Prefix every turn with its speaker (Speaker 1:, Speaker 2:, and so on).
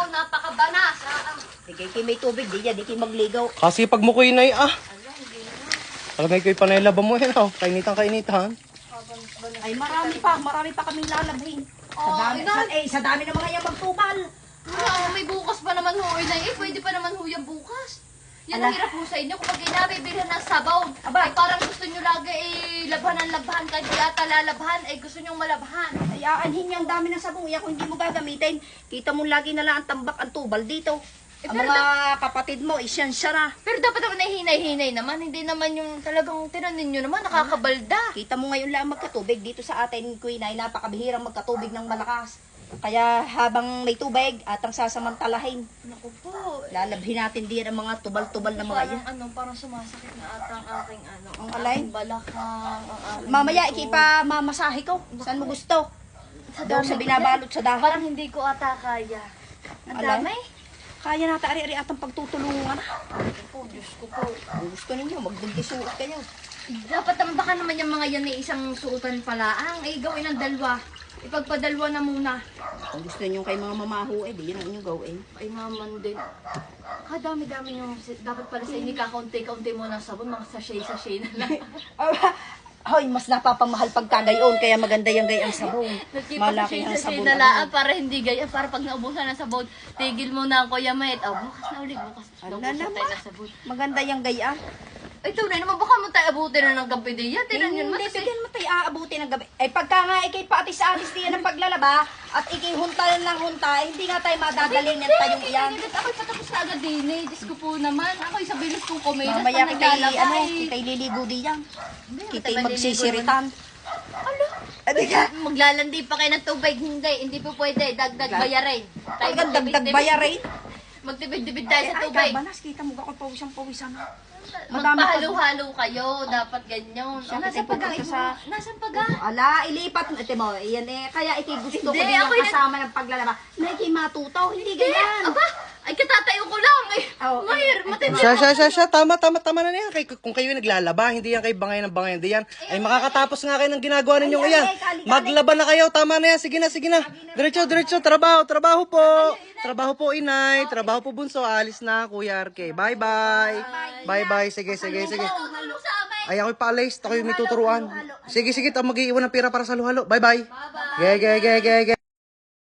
Speaker 1: napakabanas.
Speaker 2: Di may tubig, di yan, di kayo magligaw.
Speaker 3: Kasi pag mo ko inay,
Speaker 1: Ala, hindi na.
Speaker 3: alam ko yung panayalaba mo yan, oh. Kainitan.
Speaker 2: Ay, marami pa kaming lalabhin. Sa dami na mga yan magtubal.
Speaker 1: May bukas pa naman ho, Inay. Pwede pa naman ho yan bukas. Yan ang hirap ho sa inyo. Kapag inabibilhan ng sabaw, ay parang gusto nyo lagi labhan. Kahit di ata lalabhan, ay gusto nyo malabhan.
Speaker 2: Ay, aanhin yung dami ng sabong. Kung hindi mo gagamitin, kita mo lagi na lang ang tambak, ang tubal dito. Ang mga kapatid mo, isyansya na.
Speaker 1: Pero dapat naman ay hinay-hinay naman. Hindi naman yung talagang tinanin nyo naman, nakakabalda.
Speaker 2: Kita mo ngayon lang magkatubig. Dito sa atin, Queen, ay napakabihirang magkatubig ng malakas. Kaya habang may tubig, atang sasamantalahin.
Speaker 1: Naku po.
Speaker 2: Lalabhin natin din ang mga tubal-tubal na mga yan.
Speaker 1: Parang sumasakit na ata ang aking
Speaker 2: Ang alay?
Speaker 1: aking balakang, ang aking
Speaker 2: Mamaya,
Speaker 1: likod.
Speaker 2: ikipa mamasahe ko. Saan mo gusto? Doon sa
Speaker 1: dami
Speaker 2: binabalot sa dahon.
Speaker 1: Parang hindi ko ata kaya. Ang
Speaker 2: Alay?
Speaker 1: dami.
Speaker 2: Kaya natin ari-ari atang pagtutulungan.
Speaker 1: Po, Diyos ko po.
Speaker 2: Kung gusto ninyo, magbundisuot kayo.
Speaker 1: Dapat naman baka naman yung mga yan ay isang suotan palaang. Ay gawin ng dalawa. Ipagpadalwa na muna.
Speaker 2: Kung gusto ninyo kay mga mamaho, di yan ang inyong gawin.
Speaker 1: Ay maman din. Dami-dami yung dapat pala sa inyo kakaunti-kaunti mo ng sabon. Mga sachet-sachet na lang.
Speaker 2: Hoy, mas napapamahal pagka gayon, kaya maganda yung gayang sabon. Malaki ang
Speaker 1: Sachet-sachet
Speaker 2: sabon.
Speaker 1: na lang para hindi gaya. Para pag naubusan ng sabon, tigil mo na ang Kuya Met. Bukas na ulit. Bukas.
Speaker 2: Ano
Speaker 1: Naubusan
Speaker 2: naman?
Speaker 1: tayo ng sabon.
Speaker 2: Maganda yung gaya.
Speaker 1: Ay, tunay naman, baka mo tayo abutin na ng gabi din yan. Tinan yun,
Speaker 2: Hindi,
Speaker 1: matas
Speaker 2: bigyan mo tayo aabuti ng gabi. Ay, pagka nga ikay paatis-atis diyan ng paglalaba, at ikay hunta lang hunta, hindi nga tayo madadaling ng tayong iyan.
Speaker 1: Ako'y patapos na agad din eh. Diyos ko po naman. Ako'y sa bilis kong kumilas
Speaker 2: Mamaya
Speaker 1: pa
Speaker 2: kita'y,
Speaker 1: naglalaba eh.
Speaker 2: kita'y liligo diyan. Kita'y
Speaker 1: matay
Speaker 2: magsisiritan.
Speaker 1: Ano? Maglalandi pa kayo ng tubig. Hindi po pwede. Dagdag bayarin. Tayo
Speaker 2: Talagang dagdag bayarin.
Speaker 1: Magtibid-tibid tayo sa
Speaker 2: Ay,
Speaker 1: tubig.
Speaker 2: banas, kita mo ako pawisang-pawisan na. Madami pa-
Speaker 1: Magpahalo-halo kayo. Dapat ganyan.
Speaker 2: Siya,
Speaker 1: Nasaan
Speaker 2: kita'y
Speaker 1: paga?
Speaker 2: pupunta sa-
Speaker 1: Nasaan paga?
Speaker 2: Ala, ilipat mo. Ito mo, iyan eh. Kaya ikay gusto ko
Speaker 1: Hindi,
Speaker 2: din yung
Speaker 1: ako'y
Speaker 2: kasama ng paglalaba. Na ikay matutaw, hindi ganyan.
Speaker 1: Aba, ay katatayo ko lang. Ay,
Speaker 2: Oh,
Speaker 1: mahir, matindi.
Speaker 3: Siya. Tama na yan. Kung kayo naglalaba, hindi yan kayo bangay ng bangay. Hindi yan. Ay, makakatapos nga kayo ng ginagawa ninyo
Speaker 2: Ay,
Speaker 3: iyan.
Speaker 2: kali.
Speaker 3: Maglaba na kayo. Tama na yan. Sige na. Diretso. Trabaho po. Trabaho po, inay. Trabaho po, bunso. Alis na, Kuya Arke. Bye-bye. Sige.
Speaker 1: Halo sa amin.
Speaker 3: Ay, ako'y paalis. Ako'y may tuturuan. Sige. Mag-iiwan ng pera para sa luhalo. Bye-bye. Ge.